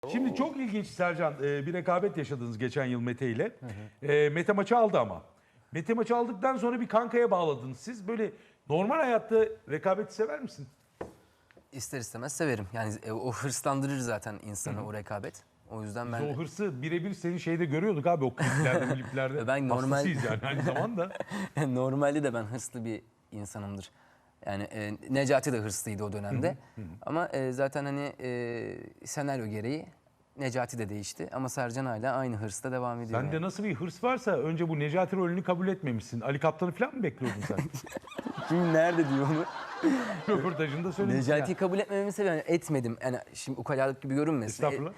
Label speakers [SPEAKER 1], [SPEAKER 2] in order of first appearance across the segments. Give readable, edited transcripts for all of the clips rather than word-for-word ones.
[SPEAKER 1] Şimdi çok ilginç Sercan, bir rekabet yaşadınız geçen yıl Mete ile. Mete maçı aldı ama. Mete maçı aldıktan sonra bir kankaya bağladınız siz. Böyle normal hayatta rekabeti sever misin?
[SPEAKER 2] İster istemez severim. Yani o hırslandırır zaten insanı o rekabet. O yüzden
[SPEAKER 1] Biz
[SPEAKER 2] ben
[SPEAKER 1] o hırsı birebir senin şeyde görüyorduk abi o kliplerde, kliplerde.
[SPEAKER 2] Ben normal-
[SPEAKER 1] Hastasıyız yani aynı zamanda.
[SPEAKER 2] normalde de ben hırslı bir insanımdır. Yani Necati de hırslıydı o dönemde. Ama zaten hani senaryo gereği Necati de değişti. Ama Sercan hala aynı hırsla devam ediyor.
[SPEAKER 1] Sende
[SPEAKER 2] yani.
[SPEAKER 1] nasıl bir hırs varsa önce bu Necati rolünü kabul etmemişsin. Ali Kaptan'ı falan mı bekliyordun sen?
[SPEAKER 2] Kim nerede diyor onu?
[SPEAKER 1] Röportajında söylemişsin
[SPEAKER 2] Necati'yi
[SPEAKER 1] ya.
[SPEAKER 2] kabul etmememi seviyorum. Yani etmedim. Yani şimdi ukalalık gibi görünmesin.
[SPEAKER 1] Estağfurullah.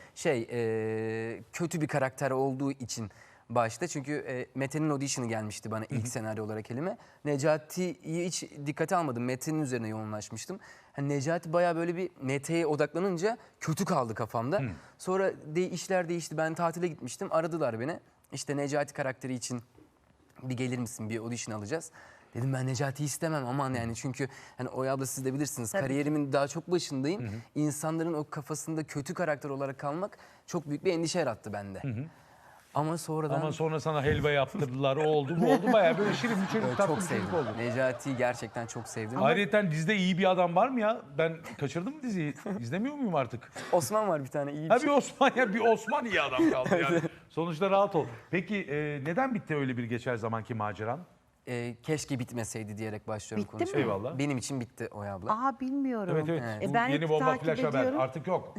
[SPEAKER 2] Kötü bir karakter olduğu için başta. Çünkü Mete'nin audition'ı gelmişti bana ilk senaryo olarak elime. Necati'yi hiç dikkate almadım. Mete'nin üzerine yoğunlaşmıştım. Hani Necati bayağı böyle bir Mete'ye odaklanınca kötü kaldı kafamda. Sonra işler değişti. Ben tatile gitmiştim. Aradılar beni. İşte Necati karakteri için bir gelir misin, bir audition alacağız. Dedim ben Necati'yi istemem aman yani çünkü hani Oya abla siz de bilirsiniz kariyerimin daha çok başındayım. İnsanların o kafasında kötü karakter olarak kalmak çok büyük bir endişe yarattı bende. Ama sonradan
[SPEAKER 1] Ama sonra sana helva yaptırdılar, o oldu bu oldu. Bayağı böyle şirin bir çocuk, tatlı
[SPEAKER 2] çok
[SPEAKER 1] bir çocuk
[SPEAKER 2] sevdim.
[SPEAKER 1] oldu.
[SPEAKER 2] Necati'yi gerçekten çok sevdim.
[SPEAKER 1] Ayrıca dizide iyi bir adam var mı ya? Ben kaçırdım mı diziyi? İzlemiyor muyum artık?
[SPEAKER 2] Osman var bir tane iyi bir
[SPEAKER 1] Ha
[SPEAKER 2] şey.
[SPEAKER 1] bir Osman ya, bir Osman iyi adam kaldı yani. Sonuçta rahat ol. Peki neden bitti öyle bir geçer zamanki maceran?
[SPEAKER 2] Keşke bitmeseydi diyerek başlıyorum
[SPEAKER 3] Bitti mi?
[SPEAKER 2] konuşmaya.
[SPEAKER 1] Eyvallah.
[SPEAKER 2] Benim için bitti Oya abla.
[SPEAKER 3] Aa bilmiyorum.
[SPEAKER 1] Evet evet. Bu
[SPEAKER 3] Ben
[SPEAKER 1] yeni
[SPEAKER 3] hep
[SPEAKER 1] bomba
[SPEAKER 3] takip
[SPEAKER 1] flash haber
[SPEAKER 3] ediyorum.
[SPEAKER 1] artık yok.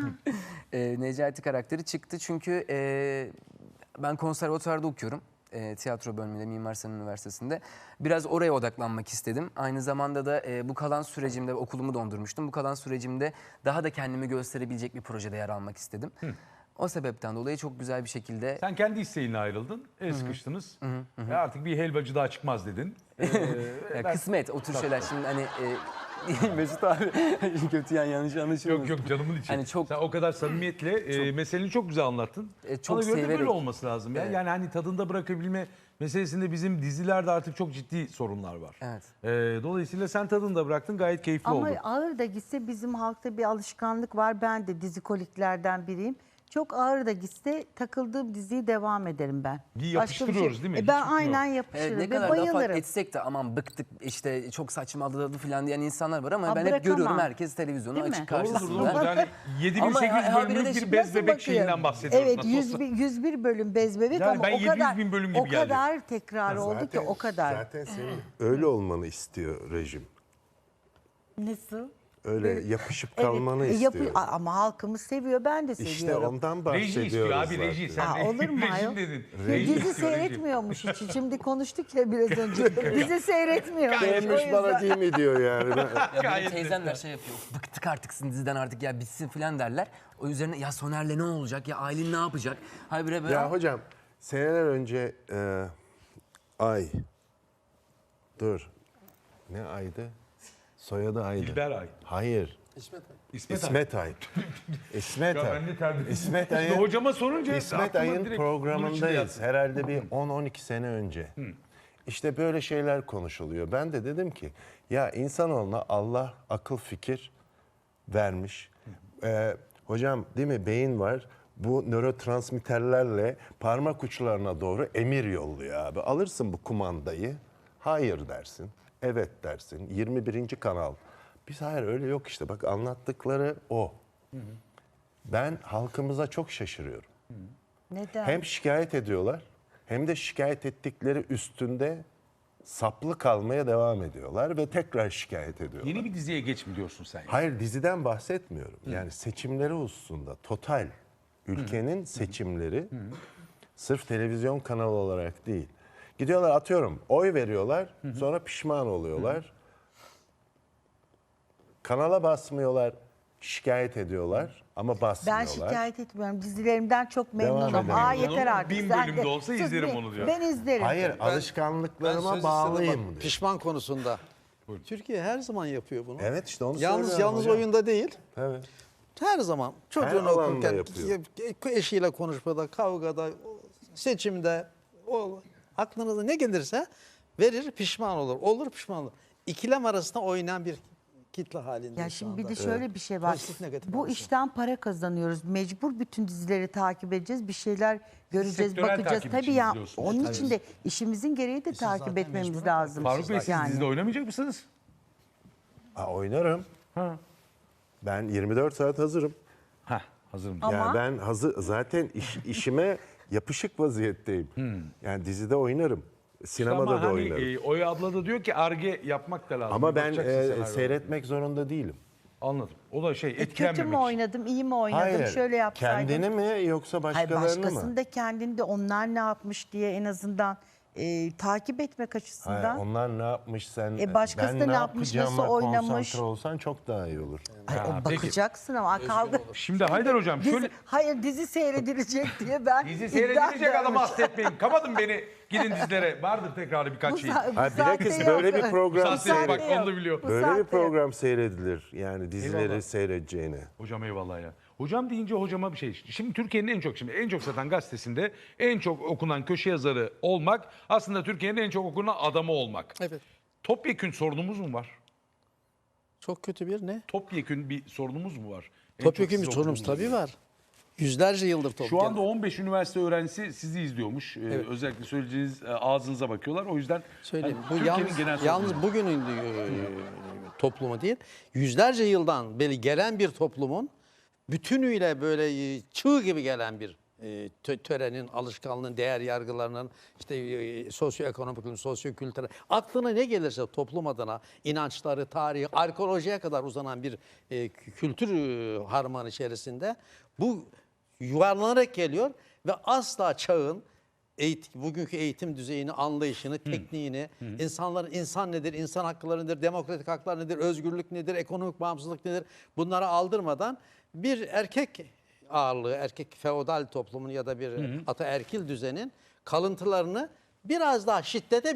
[SPEAKER 2] Necati karakteri çıktı çünkü ben konservatuvarda okuyorum. Tiyatro bölümünde Mimar Sinan Üniversitesi'nde. Biraz oraya odaklanmak istedim. Aynı zamanda da bu kalan sürecimde okulumu dondurmuştum. Bu kalan sürecimde daha da kendimi gösterebilecek bir projede yer almak istedim. O sebepten dolayı çok güzel bir şekilde
[SPEAKER 1] Sen kendi isteğinle ayrıldın. El sıkıştınız. Artık bir helvacı daha çıkmaz dedin.
[SPEAKER 2] ya kısmet o tür şeyler şimdi hani Mesut abi kötü yani yanlış anlaşılmasın.
[SPEAKER 1] Yok canımın içi.
[SPEAKER 2] Hani çok
[SPEAKER 1] Sen o kadar samimiyetle meseleni çok güzel anlattın.
[SPEAKER 2] çok
[SPEAKER 1] Bana göre de böyle
[SPEAKER 2] severek.
[SPEAKER 1] olması lazım ya.
[SPEAKER 2] Evet.
[SPEAKER 1] Yani hani tadında bırakabilme meselesinde bizim dizilerde artık çok ciddi sorunlar var.
[SPEAKER 2] Evet.
[SPEAKER 1] Dolayısıyla sen tadında bıraktın, gayet keyifli
[SPEAKER 3] Ama
[SPEAKER 1] oldu.
[SPEAKER 3] ağır da gitse bizim halkta bir alışkanlık var. Ben de dizikoliklerden biriyim. Çok ağır da gitse takıldığım diziyi devam ederim ben.
[SPEAKER 1] Bir
[SPEAKER 3] Başka
[SPEAKER 1] yapıştırıyoruz değil mi? Hiç
[SPEAKER 3] Ben
[SPEAKER 1] bitmiyor.
[SPEAKER 3] aynen
[SPEAKER 2] Evet,
[SPEAKER 3] yapışırım
[SPEAKER 2] ne
[SPEAKER 3] ve
[SPEAKER 2] kadar da fark
[SPEAKER 3] bayılırım.
[SPEAKER 2] etsek de aman bıktık işte çok saçmaladı falan diyen insanlar var ama
[SPEAKER 3] Aa,
[SPEAKER 2] ben hep
[SPEAKER 3] bırakamam.
[SPEAKER 2] görüyorum herkes televizyonu
[SPEAKER 3] Değil mi?
[SPEAKER 2] açık
[SPEAKER 1] Doğrudur,
[SPEAKER 2] karşısında.
[SPEAKER 1] doğrudur. Yani 7800
[SPEAKER 2] Ama habire
[SPEAKER 1] bölümlük
[SPEAKER 2] de
[SPEAKER 1] bir
[SPEAKER 2] şimdi
[SPEAKER 1] bez
[SPEAKER 3] Nasıl
[SPEAKER 1] bebek
[SPEAKER 3] bakıyor?
[SPEAKER 1] şeyinden bahsediyoruz.
[SPEAKER 3] Evet
[SPEAKER 1] nasıl
[SPEAKER 3] 101 bölüm bez bebek
[SPEAKER 1] Yani
[SPEAKER 3] ama
[SPEAKER 1] ben
[SPEAKER 3] o
[SPEAKER 1] 700
[SPEAKER 3] kadar
[SPEAKER 1] bin bölüm gibi
[SPEAKER 3] o
[SPEAKER 1] geldi.
[SPEAKER 3] kadar tekrar oldu ki o kadar.
[SPEAKER 4] Zaten senin öyle olmanı istiyor rejim.
[SPEAKER 3] Nasıl?
[SPEAKER 4] Öyle yapışıp kalmanı istiyor.
[SPEAKER 3] Ama halkımız seviyor, ben de seviyorum.
[SPEAKER 4] İşte ondan
[SPEAKER 1] Reji istiyor
[SPEAKER 4] bahsediyoruz
[SPEAKER 1] abi, reji.
[SPEAKER 4] zaten.
[SPEAKER 1] Sen
[SPEAKER 3] Olur mu
[SPEAKER 1] rejim
[SPEAKER 3] ayol?
[SPEAKER 1] dedin.
[SPEAKER 3] Dizi
[SPEAKER 1] Reji istiyor, reji.
[SPEAKER 3] seyretmiyormuş hiç. Şimdi konuştuk ya biraz önce. Dizi seyretmiyor.
[SPEAKER 4] Sevmiş bana değil mi diyor yani.
[SPEAKER 2] Ya benim
[SPEAKER 1] Gayet
[SPEAKER 2] teyzemler şey yapıyor. Bıktık artık sizin diziden artık ya bitsin falan derler. O üzerine ya Soner'le ne olacak ya Aylin ne yapacak? Habire böyle
[SPEAKER 4] Ya hocam seneler önce ne aydı? Soyadı aydı.
[SPEAKER 1] İlber Ay.
[SPEAKER 4] Hayır.
[SPEAKER 1] İsmet Ay.
[SPEAKER 4] İsmet Ay. İsmet
[SPEAKER 1] Ya
[SPEAKER 4] Ay.
[SPEAKER 1] ben de terbiye.
[SPEAKER 4] İsmet
[SPEAKER 1] Şimdi
[SPEAKER 4] Ay'ın
[SPEAKER 1] hocama sorunca
[SPEAKER 4] İsmet
[SPEAKER 1] aklıma
[SPEAKER 4] Ay'ın
[SPEAKER 1] direkt bunun içinde
[SPEAKER 4] programındayız.
[SPEAKER 1] yattı.
[SPEAKER 4] Herhalde bir 10-12 sene önce. İşte böyle şeyler konuşuluyor. Ben de dedim ki ya insanoğluna Allah akıl fikir vermiş. Hocam değil mi beyin var. Bu nörotransmitterlerle parmak uçlarına doğru emir yolluyor abi. Alırsın bu kumandayı. Hayır dersin. Evet dersin. 21. kanal. Biz hayır öyle yok işte. Bak anlattıkları o. Ben halkımıza çok şaşırıyorum.
[SPEAKER 3] Neden?
[SPEAKER 4] Hem şikayet ediyorlar hem de şikayet ettikleri üstünde saplı kalmaya devam ediyorlar ve tekrar şikayet ediyorlar.
[SPEAKER 1] Yeni bir diziye geç mi diyorsun sen?
[SPEAKER 4] Hayır diziden bahsetmiyorum. Yani seçimleri hususunda total ülkenin seçimleri sırf televizyon kanalı olarak değil. Gidiyorlar atıyorum oy veriyorlar sonra pişman oluyorlar. Kanala basmıyorlar şikayet ediyorlar ama
[SPEAKER 3] Ben
[SPEAKER 4] basmıyorlar.
[SPEAKER 3] şikayet etmiyorum. Dizilerimden çok
[SPEAKER 4] Devam
[SPEAKER 3] memnunum.
[SPEAKER 4] edelim.
[SPEAKER 3] Aa yeter artık.
[SPEAKER 1] 1000
[SPEAKER 3] Sen
[SPEAKER 1] bölüm
[SPEAKER 3] de
[SPEAKER 1] de olsa
[SPEAKER 3] sus
[SPEAKER 1] izlerim
[SPEAKER 3] be.
[SPEAKER 1] onu diyor.
[SPEAKER 3] Ben izlerim.
[SPEAKER 4] Hayır
[SPEAKER 5] Ben
[SPEAKER 4] alışkanlıklarıma
[SPEAKER 5] söz
[SPEAKER 4] bağlıyım
[SPEAKER 5] istedim bak,
[SPEAKER 4] diyor.
[SPEAKER 5] pişman konusunda. Türkiye her zaman yapıyor bunu.
[SPEAKER 4] Evet işte onu
[SPEAKER 5] Yalnız
[SPEAKER 4] söylüyorum hocam.
[SPEAKER 5] oyunda değil.
[SPEAKER 4] Evet.
[SPEAKER 5] Her zaman çocuğunu
[SPEAKER 4] alanda
[SPEAKER 5] okurken,
[SPEAKER 4] yapıyor.
[SPEAKER 5] eşiyle konuşmada, kavgada, seçimde, aklınıza ne gelirse verir pişman olur. Olur pişman olur. İkilem arasında oynayan bir kitle halinde
[SPEAKER 3] Ya
[SPEAKER 5] şu
[SPEAKER 3] şimdi bir
[SPEAKER 5] anda.
[SPEAKER 3] de şöyle bir şey var.
[SPEAKER 5] Pozitif, negatif
[SPEAKER 3] Bu
[SPEAKER 5] arası.
[SPEAKER 3] işten para kazanıyoruz. Mecbur bütün dizileri takip edeceğiz. Bir şeyler göreceğiz,
[SPEAKER 1] sektörel
[SPEAKER 3] bakacağız.
[SPEAKER 1] takip
[SPEAKER 3] Tabii
[SPEAKER 1] için
[SPEAKER 3] ya.
[SPEAKER 1] izliyorsunuz.
[SPEAKER 3] Onun için de işimizin gereği de takip
[SPEAKER 5] zaten
[SPEAKER 3] etmemiz
[SPEAKER 5] mecburen
[SPEAKER 3] lazım.
[SPEAKER 1] Faruk Bey siz
[SPEAKER 3] Yani.
[SPEAKER 1] dizide oynamayacak mısınız?
[SPEAKER 4] Oynarım.
[SPEAKER 1] Ha.
[SPEAKER 4] Ben 24 saat hazırım.
[SPEAKER 1] Heh, hazırım.
[SPEAKER 3] Ama-
[SPEAKER 4] Yani ben zaten işime yapışık vaziyetteyim. Yani dizide oynarım. Sinemada
[SPEAKER 1] Ama
[SPEAKER 4] da
[SPEAKER 1] hani
[SPEAKER 4] oynarım.
[SPEAKER 1] Oya abla da diyor ki arge yapmak da lazım.
[SPEAKER 4] Ama ben
[SPEAKER 1] Bakacaksın senaryoya.
[SPEAKER 4] seyretmek zorunda değilim.
[SPEAKER 1] Anladım. O da
[SPEAKER 3] Kötü
[SPEAKER 1] etkilenmemek
[SPEAKER 3] mü
[SPEAKER 1] için.
[SPEAKER 3] oynadım, iyi mi oynadım, şöyle yapsaydım.
[SPEAKER 4] Kendini mi yoksa
[SPEAKER 3] Hayır,
[SPEAKER 4] başkalarını
[SPEAKER 3] başkasını
[SPEAKER 4] mı?
[SPEAKER 3] da kendini de onlar ne yapmış diye en azından takip etmek açısından.
[SPEAKER 4] Hayır, onlar ne yapmış sen?
[SPEAKER 3] Başkası
[SPEAKER 4] ben
[SPEAKER 3] da
[SPEAKER 4] ne
[SPEAKER 3] ne yapmış,
[SPEAKER 4] yapacağıma
[SPEAKER 3] nasıl oynamış?
[SPEAKER 4] konsantre olsan çok daha iyi olur.
[SPEAKER 3] Ay,
[SPEAKER 1] Ha,
[SPEAKER 3] o
[SPEAKER 1] peki.
[SPEAKER 3] bakacaksın ama kavga.
[SPEAKER 1] Şimdi Haydar Hocam şöyle...
[SPEAKER 3] Hayır dizi seyredilecek diye ben
[SPEAKER 1] Dizi
[SPEAKER 3] iddia
[SPEAKER 1] seyredilecek adamı
[SPEAKER 3] ederim.
[SPEAKER 1] hasretmeyin. Kapatın beni. Gidin dizilere. Vardır tekrarı birkaç şey.
[SPEAKER 4] bilakis böyle bir program
[SPEAKER 1] Bu saatte bak
[SPEAKER 3] yok.
[SPEAKER 1] onu da biliyor.
[SPEAKER 3] Bu
[SPEAKER 4] Böyle
[SPEAKER 3] saatte
[SPEAKER 4] bir
[SPEAKER 3] yok.
[SPEAKER 4] program seyredilir. Yani dizileri
[SPEAKER 1] Eyvallah.
[SPEAKER 4] seyredeceğine.
[SPEAKER 1] Hocam eyvallah ya. Hocam deyince hocama bir şey. Şimdi Türkiye'nin en çok satan gazetesinde en çok okunan köşe yazarı olmak aslında Türkiye'nin en çok okunan adamı olmak.
[SPEAKER 5] Evet.
[SPEAKER 1] Topyekün sorunumuz mu var?
[SPEAKER 5] Çok kötü bir ne?
[SPEAKER 1] Topyekün bir sorunumuz mu var? En
[SPEAKER 5] Topyekun
[SPEAKER 1] çok
[SPEAKER 5] bir
[SPEAKER 1] siz
[SPEAKER 5] sorunumuz
[SPEAKER 1] okuduğunuz
[SPEAKER 5] tabii
[SPEAKER 1] gibi.
[SPEAKER 5] var. Yüzlerce yıldır topyekun.
[SPEAKER 1] Şu anda 15 üniversite öğrencisi sizi izliyormuş.
[SPEAKER 5] Evet.
[SPEAKER 1] Özellikle söyleyeceğiniz ağzınıza bakıyorlar. O yüzden
[SPEAKER 5] Söyleyeyim.
[SPEAKER 1] hani
[SPEAKER 5] Bu
[SPEAKER 1] Türkiye'nin genel
[SPEAKER 5] yalnız
[SPEAKER 1] sorunu.
[SPEAKER 5] bugünün toplumu değil. Yüzlerce yıldan beri gelen bir toplumun bütünüyle böyle çığ gibi gelen bir törenin, alışkanlığın, değer yargılarının, işte sosyoekonomik, sosyokültürel, aklına ne gelirse toplum adına inançları, tarihi, arkeolojiye kadar uzanan bir kültür harmanı içerisinde bu yuvarlanarak geliyor ve asla çağın bugünkü eğitim düzeyini, anlayışını, tekniğini, insanların insan nedir, insan hakları nedir, demokratik haklar nedir, özgürlük nedir, ekonomik bağımsızlık nedir bunları aldırmadan bir erkek ağırlığı, erkek feodal toplumun ya da bir ataerkil düzenin kalıntılarını biraz daha şiddete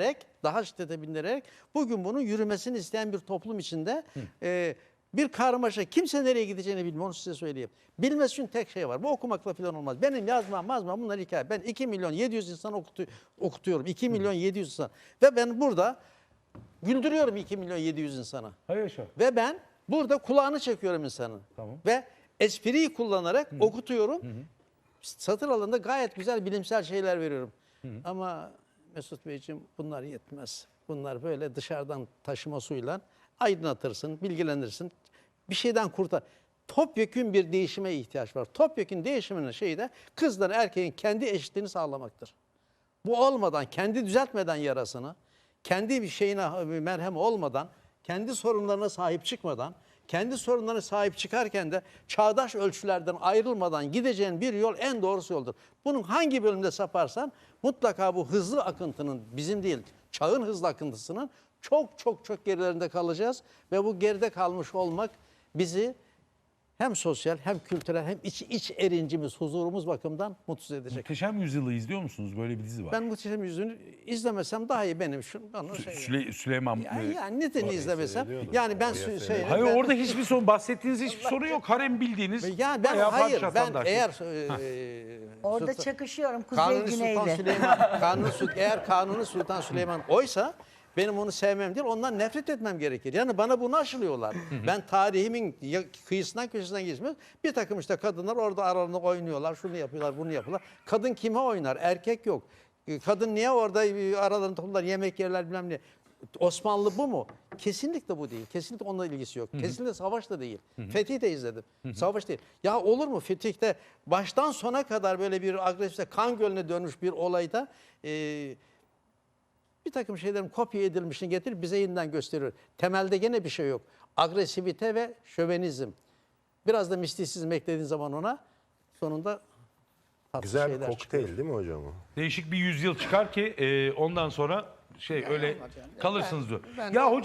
[SPEAKER 5] bindirerek, bugün bunun yürümesini isteyen bir toplum içinde bir karmaşa. Kimse nereye gideceğini bilmiyor, onu size söyleyeyim. Bilmesi için tek şey var. Bu okumakla falan olmaz. Benim yazmam bunlar hikaye. Ben 2.700.000 insan okutuyorum. 2.700.000 insan. Ve ben burada güldürüyorum 2.700.000 insana.
[SPEAKER 1] Hayır yaşa.
[SPEAKER 5] Ve ben burada kulağını çekiyorum insanın.
[SPEAKER 1] Tamam.
[SPEAKER 5] Ve espriyi kullanarak okutuyorum. Satır alanında gayet güzel bilimsel şeyler veriyorum. Ama Mesut Beyciğim bunlar yetmez. Bunlar böyle dışarıdan taşıma suyla aydınlatırsın, bilgilenirsin. Bir şeyden kurtar. Topyekün bir değişime ihtiyaç var. Topyekün değişiminin şeyi de kızların erkeğin kendi eşitliğini sağlamaktır. Bu olmadan, kendi düzeltmeden yarasını, kendi bir şeyine merhem olmadan, kendi sorunlarına sahip çıkmadan, kendi sorunlarına sahip çıkarken de çağdaş ölçülerden ayrılmadan gideceğin bir yol en doğrusu yoldur. Bunun hangi bölümde saparsan mutlaka bu hızlı akıntının, bizim değil, çağın hızlı akıntısının çok gerilerinde kalacağız. Ve bu geride kalmış olmak bizi hem sosyal hem kültürel hem iç erincimiz, huzurumuz bakımından mutsuz edecek.
[SPEAKER 1] Muhteşem Yüzyıl'ı izliyor musunuz? Böyle bir dizi var.
[SPEAKER 5] Ben Muhteşem Yüzyıl'ı izlemesem daha iyi benim. Bana
[SPEAKER 1] Süleyman...
[SPEAKER 5] yani neden izlemesem? Yani ben şey...
[SPEAKER 1] Hayır
[SPEAKER 5] ben-
[SPEAKER 1] orada hiçbir sorun, bahsettiğiniz hiçbir sorun yok. Harem bildiğiniz.
[SPEAKER 5] Yani ben
[SPEAKER 1] bayağı
[SPEAKER 5] hayır
[SPEAKER 1] padişah
[SPEAKER 5] ben
[SPEAKER 1] standartı.
[SPEAKER 5] eğer
[SPEAKER 3] Orada
[SPEAKER 5] Sultan-
[SPEAKER 3] çakışıyorum Kuzey
[SPEAKER 5] Kanuni Sultan
[SPEAKER 3] Güney'le.
[SPEAKER 5] Süleyman eğer Kanuni Sultan Süleyman oysa benim onu sevmem değil, ondan nefret etmem gerekir. Yani bana bunu aşılıyorlar. Ben tarihimin kıyısından köşesinden geçmiyorum. Bir takım işte kadınlar orada aralarında oynuyorlar, şunu yapıyorlar, bunu yapıyorlar. Kadın kime oynar? Erkek yok. Kadın niye orada aralarında toplar, yemek yerler bilmem ne. Osmanlı bu mu? Kesinlikle bu değil. Kesinlikle onunla ilgisi yok. Kesinlikle savaş da değil. Fetih'i de izledim. Savaş değil. Ya olur mu Fetih'te baştan sona kadar böyle bir agresif kan gölüne dönmüş bir olayda bir takım şeylerin kopya edilmişini getirip bize yeniden gösteriyor. Temelde gene bir şey yok. Agresivite ve şövenizm. Biraz da mistisizm eklediğin zaman ona sonunda tatlı
[SPEAKER 4] Güzel bir
[SPEAKER 5] şeyler
[SPEAKER 4] kokteyl
[SPEAKER 5] çıkıyor.
[SPEAKER 4] değil mi hocam o?
[SPEAKER 1] Değişik bir yüzyıl çıkar ki ondan sonra öyle kalırsınız diyor.
[SPEAKER 5] Ben-
[SPEAKER 1] Ya hocam